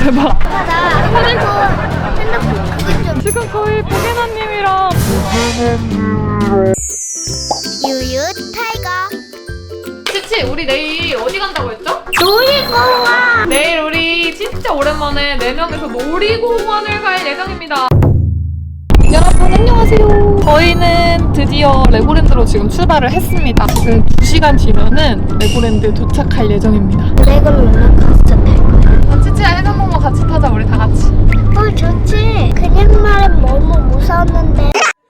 대박. 나 핸드폰 그것 좀. 지금 거의 보게나님이랑 유유 타이거. 치치, 우리 내일 어디 간다고 했죠? 놀이공원. 내일 우리 진짜 오랜만에 4명이서 놀이공원을 갈 예정입니다. 여러분 안녕하세요. 저희는 드디어 레고랜드로 지금 출발을 했습니다. 지금 2시간 뒤면은 레고랜드 도착할 예정입니다. 레고를 롤러코스터 탈 거야. 치치야 해산목마 같이 타자, 우리 다 같이. 좋지. 그냥 말은 너무 무서웠는데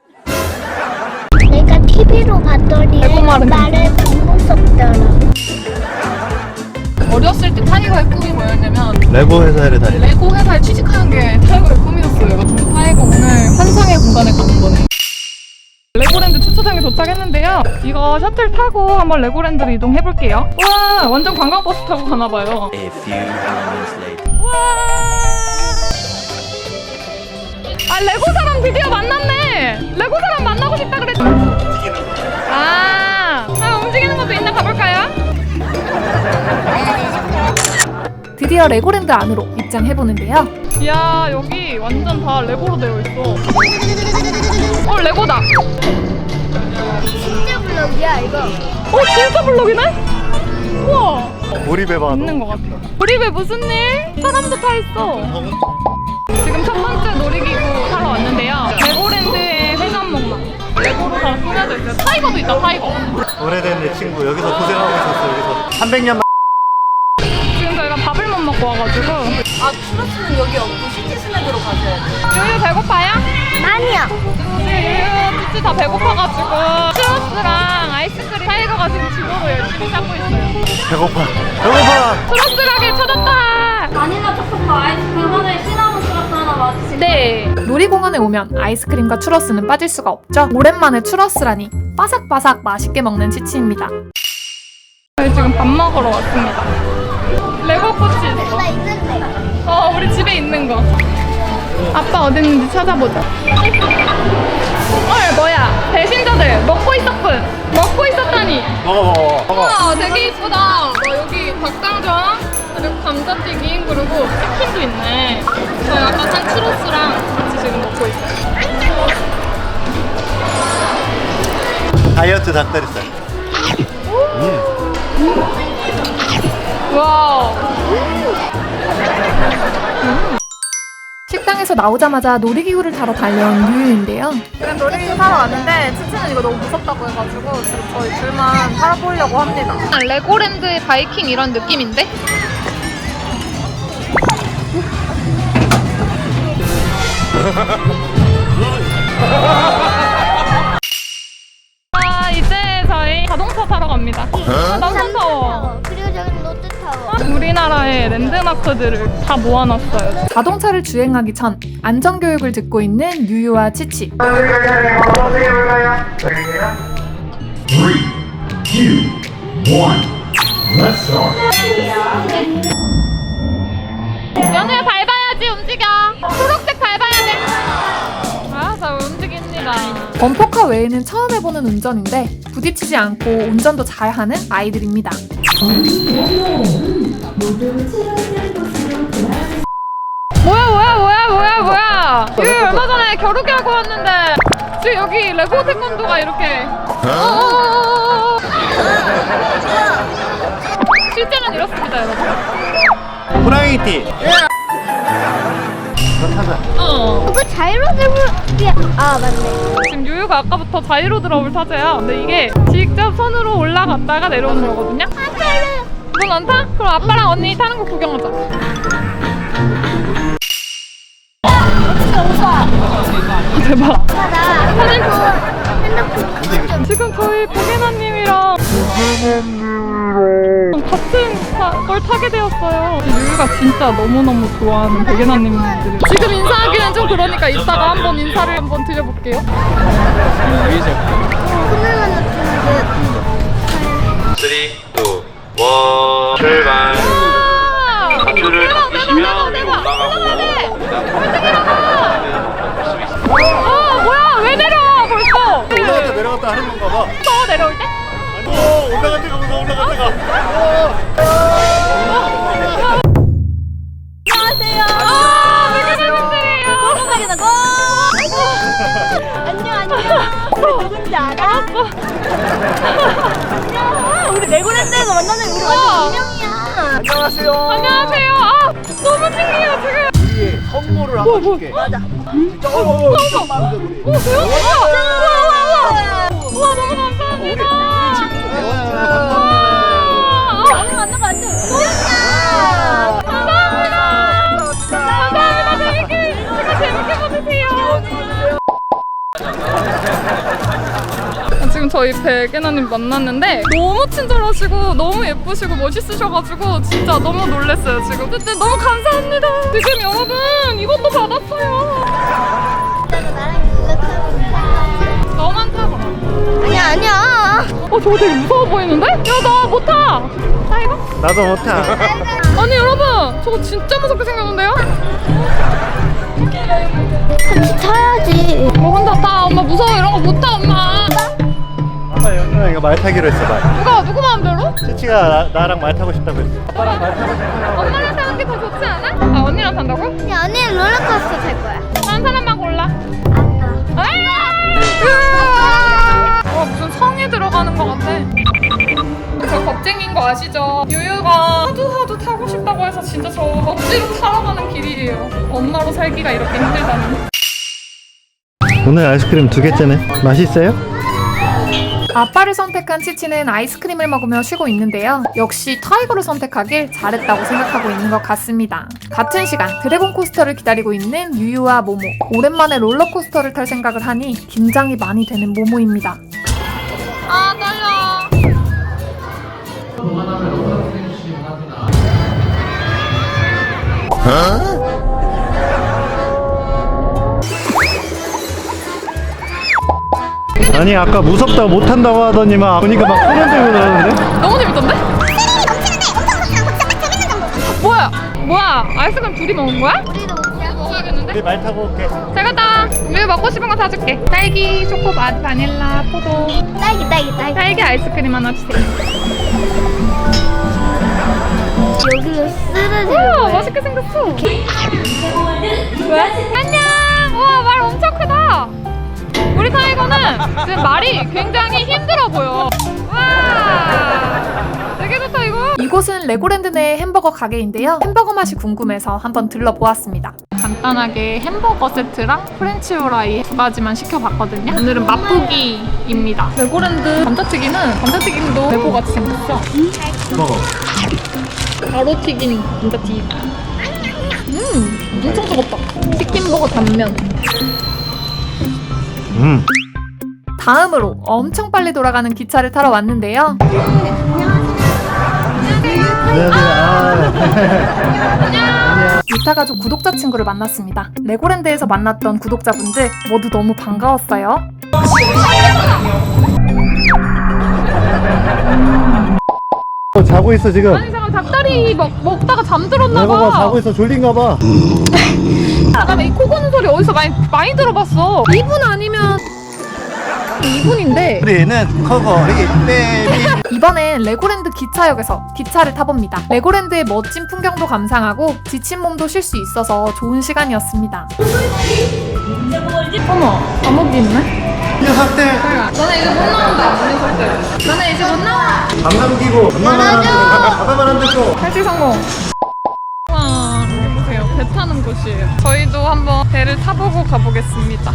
내가 TV로 봤더니 레고말은 말은 안 무섭더라. 어렸을 때 타이거의 꿈이 뭐였냐면 레고 회사를 다니. 레고 회사에 취직하는 게 타이거의 꿈이었어요. 타이거 오늘 환상의 공간에 가는 거네. 레고랜드 주차장에 도착했는데요. 이거 셔틀 타고 한번 레고랜드로 이동해볼게요. 우와, 완전 관광버스 타고 가나봐요. A few moments later. 우와. 아, 레고 사람 드디어 만났네. 레고 사람 만나고 싶다 그랬지. 움직이는 것도 있나, 가볼까요? 드디어 레고랜드 안으로 입장해보는데요. 이야, 여기 완전 다 레고로 되어 있어. 레고다. 진짜 블럭이야 이거. 진짜 블록이네? 우와, 몰입해봐. 있는 것 같아. 우리 왜 무슨 일? 사람도 타 있어. 지금 첫 번째 놀이기구 타러 왔는데요. 레고랜드의 회전목마. 레고로 다 꾸며져 있어요. 타이거도 있다, 타이거. 오래된 내 친구 여기서 고생하고 있었어. 여기서 300년. 지금 저희가 밥을 못 먹고 와가지고. 추러스는 여기 없고 시티스냅으로 가셔야 돼요. 유유 배고파요? 아니요. 유유 진짜 다 배고파가지고 추러스랑 아이스크림 타이거가 지금 집으로 열심히 찾고 있어요. 배고파. 배고파. 추러스 가게 찾았다. 바닐라 초코파 아이스크림 하나에 시나몬 추러스 하나 맞으시고. 네. 놀이공원에 오면 아이스크림과 추러스는 빠질 수가 없죠. 오랜만에 추러스라니 바삭바삭 맛있게 먹는 치치입니다. 저희 지금 밥 먹으러 왔습니다. 레고 꽃이 있어. 나 있는데. 우리 집에 있는 거. 아빠 어디 있는지 찾아보자. 뭐야? 배신자들 먹고 있었군. 먹고 있었다니. 먹어. 우와, 되게 이쁘다. 여기 닭강정, 그리고 감자튀김, 그리고 치킨도 있네. 저희 아까 산 추러스랑 같이 지금 먹고 있어요. 다이어트 닭다리살. 와우. 식당에서 나오자마자 놀이기구를 타러 달려온 유유인데요. 지금 놀이기구 타러 왔는데 치치는 이거 너무 무섭다고 해가지고 지금 저희 둘만 타보려고 합니다. 레고랜드의 바이킹 이런 느낌인데? 이제 저희 자동차 타러 갑니다. 너무 무서워. 그리고 저기 롯데타워. 우리나라의 랜드마크들을 다 모아놨어요. 자동차를 주행하기 전 안전교육을 듣고 있는 유유와 치치. 3, 2, 1, let's start. 연우야 밟아야지, 움직여. 초록색 밟아야 돼. 알았어, 움직입니다. 범퍼카 외에는 처음 해보는 운전인데 부딪히지 않고 운전도 잘하는 아이들입니다. 뭐야. 여기 얼마 전에 겨루기하고 왔는데 지금 여기 레고 태권도가 이렇게. 실제는 이렇습니다, 여러분. 호랑이띠. 그거 타자. 그거 자이로드블이야. 맞네. 지금 유유가 아까부터 자이로 드롭을 타세요. 근데 이게 직접 손으로 올라갔다가 내려오는 거거든요. 넌 안 타? 그럼 아빠랑 언니 타는 거 구경하자. 대박. 나 핸드폰 그것 좀. 지금 저희 보게나님이랑 같은 걸 타게 되었어요. 유유가 진짜 너무너무 좋아하는 보게나님들이 지금 인사하기는 좀 그러니까 이따가 한번 인사를 한번 드려볼게요. 그날만 나타나게. 3, 2, 1 출발. 줄을 잡으시면 위로 올라가고 뭐야, 왜 내려와 벌써? 올라갔다 내려갔다 하는 건가 봐. 더 내려올 때? 올라갈 때가 무서워. 올라갈 때가. 안녕하세요. 안녕하세요. 안녕하세요. 아, 너무 신기해요, 지금. 우리 선물을 한번 줄게. 맞아. 진짜 오, 대박. 우와, 너무 감사합니다. 감사합니다. 재밌게 봐주세요. 지금 저희 백예나님 만났는데 너무 친절하시고 너무 예쁘시고 멋있으셔가지고 진짜 너무 놀랐어요. 지금 그때 너무 감사합니다. 지금 여러분 이것도 받았어요. 너만 타봐. 아니야. 저거 되게 무서워 보이는데? 야, 나 못 타. 타 이거? 나도 못 타. 아니 여러분, 저거 진짜 무섭게 생겼는데요? 같이 타야지. 뭐 혼자 타. 엄마 무서워. 이런 거 못 타, 엄마. 아빠 연우랑 이거 말 타기로 했어 말. 누구 마음대로? 치치가 나랑 말 타고 싶다고 했어. 아빠랑 말 타고 싶어요. 엄마랑 타는 게 더 좋지 않아? 아, 언니랑 탄다고? 야, 언니는 롤러코스터 탈 거야. 한 사람만 골라. 아빠. 무슨 성에 들어가는 것 같아. 저 겁쟁이인 거 아시죠? 유유가 하도 타고 싶다고 해서 진짜 저 억지로 타러 가는 길이에요. 엄마로 살기가 이렇게 힘들다니. 오늘 아이스크림 2개째네. 맛있어요? 아빠를 선택한 치치는 아이스크림을 먹으며 쉬고 있는데요. 역시 타이거를 선택하길 잘했다고 생각하고 있는 것 같습니다. 같은 시간 드래곤 코스터를 기다리고 있는 유유와 모모. 오랜만에 롤러코스터를 탈 생각을 하니 긴장이 많이 되는 모모입니다. 아, 떨려. 아니 아까 무섭다고 못 탄다고 하더니만 보니까 막 소년 들고 그러는데? 너무 재밌던데? 뭐야? 아이스크림 둘이 먹은 거야? 우리도 먹자. 먹어야겠는데? 우리 말 타고 올게. 잘 갔다. 우리 먹고 싶은 거 사줄게. 딸기, 초코맛, 바닐라, 포도. 딸기. 딸기 아이스크림 하나 주세요. 여기로 쓰러지는 우와, 거야. 맛있게 생겼어. 왜? 안녕. 우와, 말 엄청 크다. 우리 타이거는 지금 말이 굉장히 힘들어 보여. 와, 되게 좋다 이거. 이곳은 레고랜드 내 햄버거 가게인데요. 햄버거 맛이 궁금해서 한번 들러보았습니다. 간단하게 햄버거 세트랑 프렌치 후라이 2가지만 시켜봤거든요. 오늘은 맛보기입니다. 레고랜드 감자튀김도 레고같이 생겼어. 먹어. 바로 튀긴 감자튀김. 엄청 뜨겁다. 치킨버거 단면. 다음으로 엄청 빨리 돌아가는 기차를 타러 왔는데요. 유타 가족 구독자 친구를 만났습니다. 레고랜드에서 만났던 구독자분들 모두 너무 반가웠어요. 자고 있어 지금. 아니 잠깐 닭다리 먹다가 잠들었나봐. 레고가 자고 있어. 졸린가 봐. 잠깐만 이 코 고는 소리 어디서 많이 들어봤어. 2분 아니면 2분인데. 우리는 커거리 베이비. 이번엔 레고랜드 기차역에서 기차를 타봅니다. 레고랜드의 멋진 풍경도 감상하고 지친 몸도 쉴 수 있어서 좋은 시간이었습니다. 어머, 감옥이 있네? 녀석들. 너네 이제 못 나온다. 너네 이제 못 나와. 방금 끼고 바다만 안 듣고. 탈출 성공. 와, 여기 보세요. 배 타는 곳이에요. 저희도 한번 배를 타보고 가보겠습니다.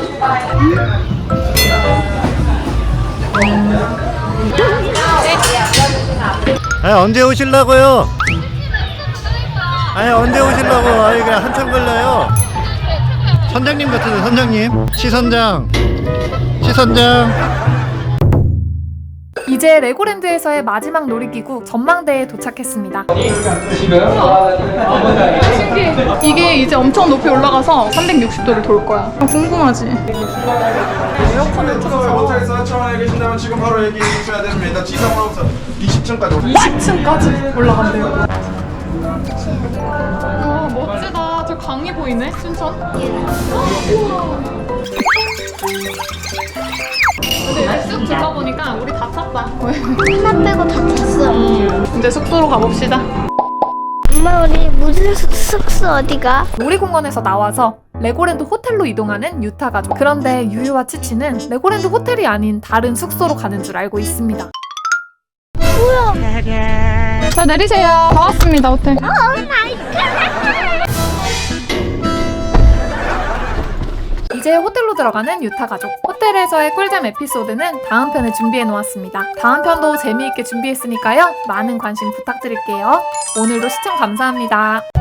아니 언제 오실라고요? 아니 언제 오실라고? 아니 그냥 한참 걸려요. 선장님 같은데 선장님. 시선장. 이제 레고랜드에서의 마지막 놀이기구 전망대에 도착했습니다. 신기해. 이게 이제 엄청 높이 올라가서 360도를 돌 거야. 궁금하지? 에어컨을 틀어서 호텔에서 처음에 계신다면 지금 바로 얘기해 주셔야 됩니다. 지상으로부터 20층까지 20층까지 올라간대요. 와, 멋지다. 저 강이 보이네, 춘천. 우와. 근데 이제 쑥 둘러보니까 우리 다 탔다. 하나 빼고 다 탔어. 이제 숙소로 가봅시다. 엄마, 우리 무슨 숙소 어디가? 놀이공원에서 나와서 레고랜드 호텔로 이동하는 유타 가족. 그런데 유유와 치치는 레고랜드 호텔이 아닌 다른 숙소로 가는 줄 알고 있습니다. 뭐야? 자, 내리세요. 다 왔습니다, 호텔. 이제 호텔로 들어가는 유타 가족. 호텔에서의 꿀잼 에피소드는 다음 편에 준비해 놓았습니다. 다음 편도 재미있게 준비했으니까요. 많은 관심 부탁드릴게요. 오늘도 시청 감사합니다.